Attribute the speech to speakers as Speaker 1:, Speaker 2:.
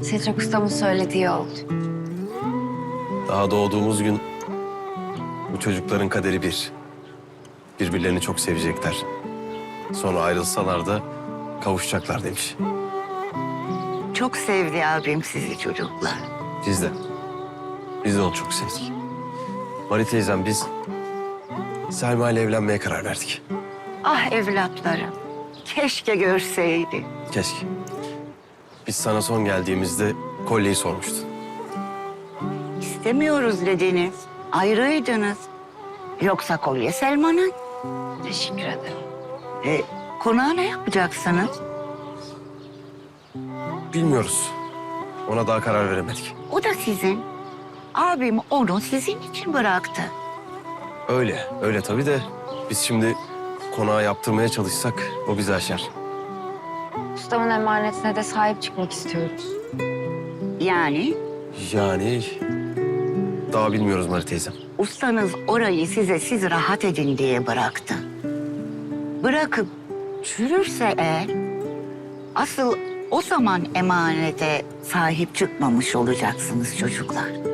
Speaker 1: Setrak ustamın söylediği oldu.
Speaker 2: Daha doğduğumuz gün bu çocukların kaderi bir. Birbirlerini çok sevecekler. Sonra ayrılsalar da kavuşacaklar demiş.
Speaker 3: Çok sevdi abim sizi çocuklar.
Speaker 2: Biz de. Biz de onu çok sevdik. Mari teyzem biz Selma ile evlenmeye karar verdik.
Speaker 3: Ah evlatlarım. Keşke görseydi.
Speaker 2: Keşke. Biz sana son geldiğimizde kolyeyi sormuştun.
Speaker 3: İstemiyoruz dediniz. Ayrıydınız. Yoksa kolye Selman'ın.
Speaker 1: Teşekkür ederim.
Speaker 3: Konağı ne yapacaksınız?
Speaker 2: Bilmiyoruz. Ona daha karar veremedik.
Speaker 3: O da sizin. Abim onu sizin için bıraktı.
Speaker 2: Öyle tabii de biz şimdi konağı yaptırmaya çalışsak o bizi aşar.
Speaker 1: Ustamın emanetine de sahip çıkmak istiyoruz.
Speaker 3: Yani
Speaker 2: Yani daha bilmiyoruz Mari teyzem.
Speaker 3: ustanız orayı siz rahat edin diye bıraktı. Bırakıp çürürse eğer, asıl o zaman emanete sahip çıkmamış olacaksınız çocuklar.